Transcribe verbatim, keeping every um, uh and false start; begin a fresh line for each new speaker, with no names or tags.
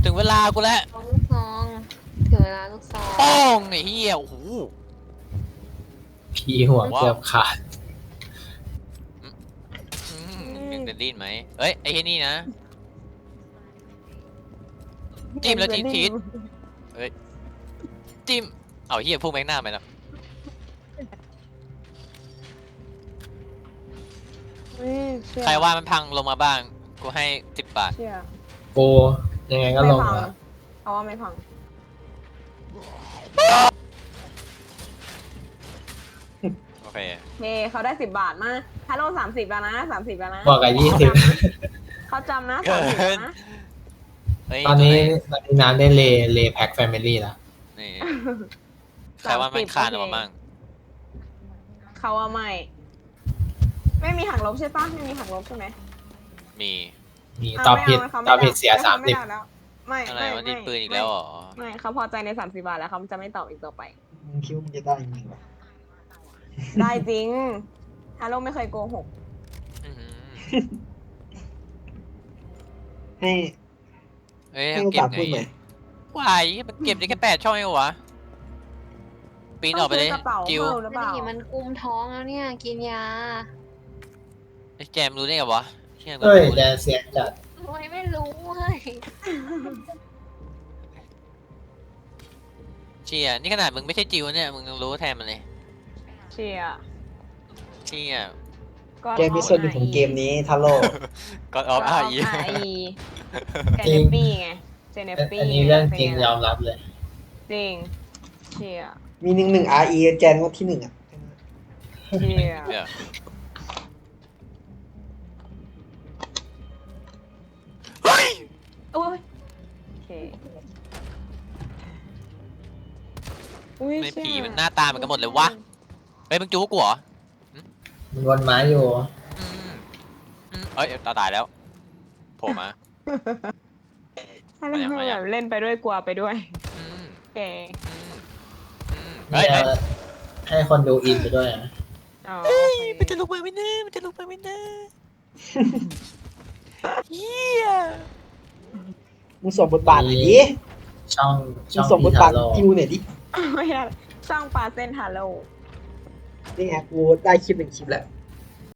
ถึงเวลากูแล้ว
ลูกซองถึงเวลาลูกซอง
ป้องไอ้เหี้ยโอ้โห
พี่หัวเกือบขาด
อืมยังจะดิ้นไหมเอ้ยไอ้เหี้ยนี่นะจิ้มแล้วทิ้งทีเฮ้ยจิ้มเอาเหี้ยพุ่งแบงหน้าไปแล้วใครว่ามันพังลงมาบ้างกูให้สิบบาท
เชื่อ
โกยังไงก็ลง
ไม่พั
แล้ว
เพราะว่าไม่พัง
โอเค
เฮ้เขาได้สิบบาทมาฮัลโหลสามสิบแล้วนะสามสิบแล้วนะ
บอกกับยี่สิบ
เขาจำนะสามสิบแล้วนะ
เฮ้ย
ตอนนี้ตอนนี้น้ำได้เลเลแพ็คแฟมิลี่แล้ว
นี่ใครว่ามันคานออกมาบ้าง
เขาว่าไม่ ไม่มีหักลบใช่ปะไม่มีหักลบใช่ไหม
มี
มี
เา
ตอบ
ไม่
ผิด
เา
ตอบผิดเสีย
ข
สาม
ไม่
สิบ
ได้แล้วไม่
อะไร
ไม่
ว่า
ไม่
ดิ้นปืนอีกแล้วเหรอ
ไม่เขาพอใจในสามสิบบาทแล้วเขาจะไม่ตอบอีกต่อไป
มึงคิดว่ามึงจะได้ยังไงวะ
ได้จริงฮัลโหลไม่เคยโกหก
อื้อหือ
ให้
เฮ้ย
ให้โอ
เก็บ
กาส
ไง
พูดหน่อย
วายมันเก็บได้แค่แปดช่องเองเหรอวะปีนออกไปเลย
ต้งซื้กระเป๋า
จิว
เพิ่มหรือเปล่า
นี่มันกุมท้องแล้วเนี่ยกินยา
ไอ้แจมรู้ได้ไงวะเชี่ยกู
เฮ้ย
รู้
แด
เลย
นเสียจัด
ทำไมไม่รู้เฮ้ย
เชี่ยนี่ขนาดมึงไม่ใช่จิวเนี่ยมึงยังรู้แทนมันเลย
เชียร์
เชี่ย
ก็
เกมพิเศษของเกมนี้ทาโร่
ก็ออฟอาร์
อี
อี
เจเนปปี้ไงเจเนปปี้
อันนี้เรื่องจริงยอมรับเลย
จริงเชียร์
มีหนึ่งหนึ่ง อาร์ อี แจนก็ที่หนึ่งอ่ะ
เชียร์
เดี๋ยวเฮ้ย
โอ้ยโอเคอุ้ย
ไม่
เชี่ย
ผีมันหน้าตาเหมือนกันหมดเลยวะเฮ้ยมึงจู้กูเหรอ
มันวนไม้อยู่
อืมอืมเอ้ยตาตายแล้วโผล่มา
ให้เล่น
มายัง
แบบเล่นไปด้วยกลัวไปด้วย
อืม
โอเค
อืมอืม
นี่
เฮ้ยเฮ้ย
ให้คนดูอินไปด้วยนะ
อ๋อ
เฮ้ย
โอ
มัน
เค
จะลุกมาไหมเนะมันจะลุกมาไหมเนะเฮีย
มึงสวมบทบาทหน่อยดิ
ช่อง
มึ
ช่อง ง
สวมบ
พี่
ท
ทา
บาท
โร่
จิวหน่อยดิ
ไม่ได้สร้างปลาเส้นฮัลโหล
นี่ไงกูได้คลิปหนึ่งคลิปแล้ว